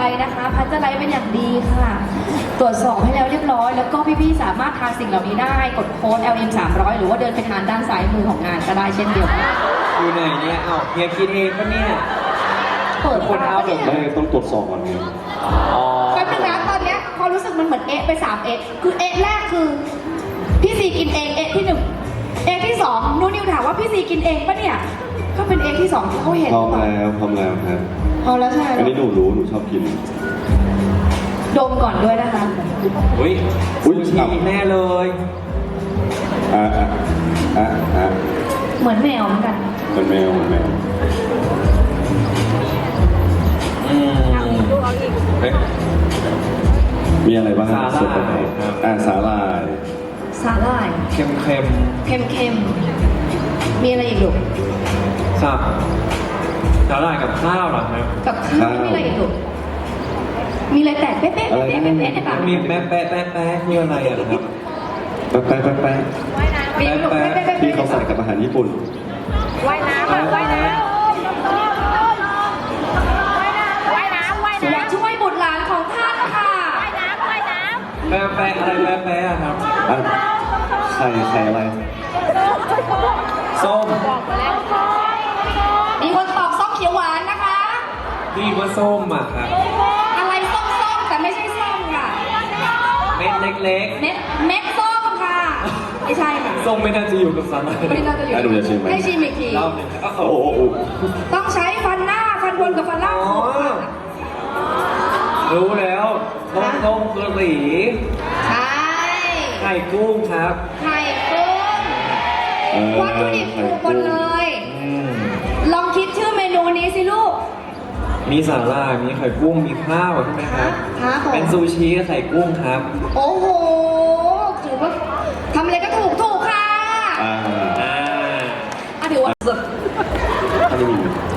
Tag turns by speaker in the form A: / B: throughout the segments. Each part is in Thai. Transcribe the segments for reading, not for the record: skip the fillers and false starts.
A: นะคะพัชเจอร์ไลท์เป็นอย่างดีค่ะ ตรวจสอบให้แล้วเรียบร้อย แล้วก็พี่ๆสามารถทานสิ่งเหล่านี้ได้กดโค้ด LM 300หรือว่าเดินไปทานด้านซ้ายมือของงานก็ได้เช่นเดียวกัน
B: อยู่ไหนเนี่ยเอ้าเฮียคิดเองปะเนี่ย
A: เปิด
B: คนเอาแบบ
C: ไม่ต้องตรวจสอบก่อนไง
B: อ๋อ
A: แป๊บนึงนะตอนเนี้ยพอรู้สึกมันเหมือนเอะไป3เอะคือเอะแรกคือพี่ซีกินเองเอะที่1เอะที่2นูนิวถามว่าพี่ซีกินเองปะเนี่ยก็เป็นเอะที่2ที่เขาเห็น
C: พร้อมแล้วพร้อมแล้วครับ
A: พอแล้วใช่ไหม
C: อันนี้หนูรู้หนูชอบกิน
A: ดมก่อนด้วยนะคะ
B: อุ้ย
C: อุ๊ย
B: ชีแน่เลย
C: อ่ะอ่ะอ่ะอ่ะ
A: เหมือนแมวเหมือนกัน
C: เป็นแมวเป็นแมว
B: อืมเฮ้ย
C: มีอะไรบ้าง
B: สาหร่าย
C: ส่วนผสม
B: ครับ
C: สาหร่าย
A: สาหร่าย
B: เค็ม
A: เค็มๆมีอะไรอีกลูก
B: ๆสับสาหร่ายกับข้าวเหรอครับ
A: กับข้าวมีอะไรอีกลูกมีอะไรแตกเป๊ะๆเป๊ะๆเป๊ะๆในปาก
B: มีแป๊ะแป๊ะแป๊ะแป๊ะคืออะไรอะครับ
C: แป๊ะแป๊ะแป๊ะแป๊ะ
A: มีลูก
B: แป๊ะ
A: เป๊ะๆ
C: ที่
A: เป๊ะ
C: เขาใส่กับอาหารญี่ปุ่น
D: ว่ายน้ำอะว่ายน้ำว่ายน้ำว่าย
A: ๆอยาก
D: น้ำ
A: ช่วยบุตรหลานของท่านค่ะ
D: ว่ายน้ำว่ายน้
B: แป๊ะแป๊ะอะไรแป๊ะแป๊ะอะครับ
C: อ่ะไข่อะไร
B: ส้ม
A: มีคนตอบส้มเขียวหวานนะคะ
B: พี่ว่าส้มอะครับ
A: อะไรส้มๆแต่ไม่ใช่ส้มค่ะ
B: เม็ดเล็ก
A: เม็ดส้มค่ะไม่ใช่ค่ะ
B: ๆส้มไม่น่าจะอยู่กับสาหร่าย
A: ไม่น่าจะอยู่
C: อ่ะหนูจะชิมไหม
A: ให้ชิมอีกที
B: รอบหนึ่งครับ
C: โอ้โหโอ้โห
A: ต้องใช้ฟันหน้าฟันบนกับฟันล่าง
B: อ๋อ
A: ขบค่ะ
B: รู้แล้วต้มกะหรี่
A: ใช่
B: ไข่กุ้งครับ
A: ไข่กุ้งวัตถุดิบถูกหมดเลย
B: อืม
A: ลองคิดชื่อเมนูนี้สิลูก
B: มีสาหร่ายมีไข่กุ้ง มีข้าวใช่ไหมครับ
A: ครับผม
B: เป็นซูชิกับไข่กุ้งครับ
A: โอ้โหถือว่าทำอะไรก็ถูกค่ะ
C: อ่า
B: อ่า
A: ถือว่าสุด
C: อันนี้มี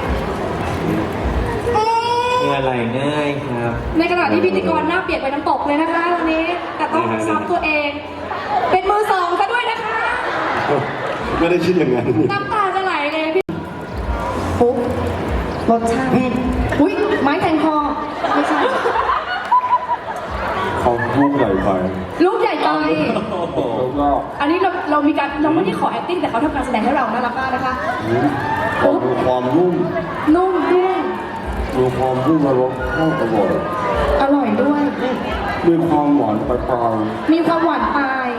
B: เนื้อไหลง่ายครับ
A: ในขณะที่พิธีกรหน้าเปียกไปน้ำตกเลยนะคะวันนี้ แต่ต้องซับตัวเอง เป็นมือสองซะด้วยนะคะ
C: ไม่ได้คิดอย่างนั้น
A: น้ำตาจะไหลเลยพี่ปุ๊บรสชาติอุ้ยไม้แทงคอไม่ใช่
C: เขาลูกใหญ่ไป
A: ลูกใหญ่ไป
B: โอ้โห
C: แล้วก็
A: อันนี้เรามีการเราไม่ได้ขอ acting แต่เขาทำการแสดงให้เราน่ารักมากนะคะ
C: ดูความนุ่ม
A: นุ่มด้วย
C: ดูความนุ่มและรสชาติอร่อย
A: อร่อยด้วย
C: มีความหวานปลาย
A: มีความหวานปลาย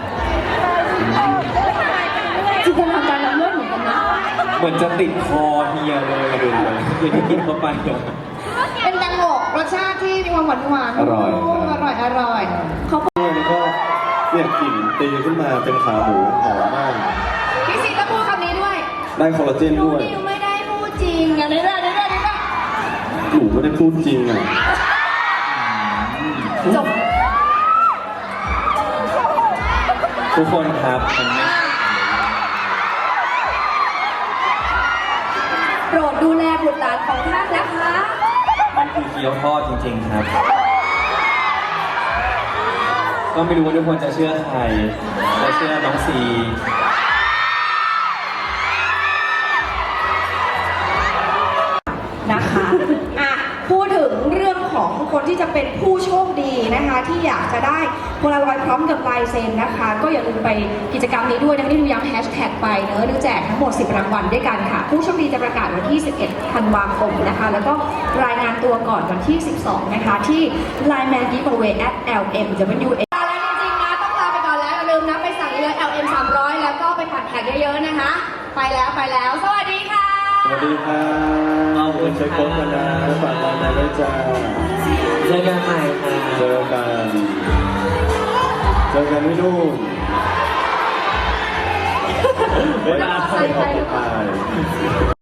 A: จินตนาการเราเลื่อนเหมือนกันนะ
B: เหมือนจะติดคอเฮียเลยดูเลยเฮียที่กินเข้าไปอะ
A: เป็นแตงโมรสชาติที่มีความหวานหวาน
C: ๆอร่อย
A: อร่อยอร่อยเขา
C: แล้วก็เนี่ยกลิ่นตีขึ้นมาเป็นขาหมูหอมมาก
A: พี่ซีต้องพูดคำนี้ด้วย
C: ได้คอลลาเจน
A: นู
C: ด้วย
A: นิวไม่ได้พูดจริงอย่างนี้ด้วยนี่ด้วยนี่ด้วย
C: หนูไม่ได้พูดจริงอ่ะ
A: จบ
B: ทุกคนครับมันไม่
A: โปรดดูแลบุตรหลานของท่านนะคะ
B: มันคือเกี๊ยวทอดจริง ๆ ครับ ก็ไม่รู้ว่าทุกคนจะเชื่อใครจะเชื่อน้องซี
A: นะคะอ่ะพูดถึงเรื่องของคนที่จะเป็นผู้โชคดีนะคะ ที่อยากจะได้โพลารอยด์พร้อมกับลายเซ็นนะคะ ก็อย่าลืมไปกิจกรรมนี้ด้วยนะคะที่ดูย้ำแฮชแท็กไปเนอะดูแจกทั้งหมด 10 รางวัลด้วยกันค่ะ ผู้โชคดีจะประกาศวันที่ 11 ธันวาคมนะคะ แล้วก็รายงานตัวก่อนวันที่ 12 นะคะ ที่ Line Man Giveaway @LMWA แล้วจริงๆนะต้องลาไปก่อนแล้วอย่าลืมนะไปสั่งเลย LM 300แล้วก็ไปผัดแท็กเยอะๆนะคะ ไปแล้วสวัสดีค่ะ
C: สวัสดีค่ะใช้โค้ดกันนะฝากร้านมาด้วยจ้า
B: เจอกันใหม่ค่ะ
C: เจอกันที่นู่น
B: เวลา
A: ไป
C: ไป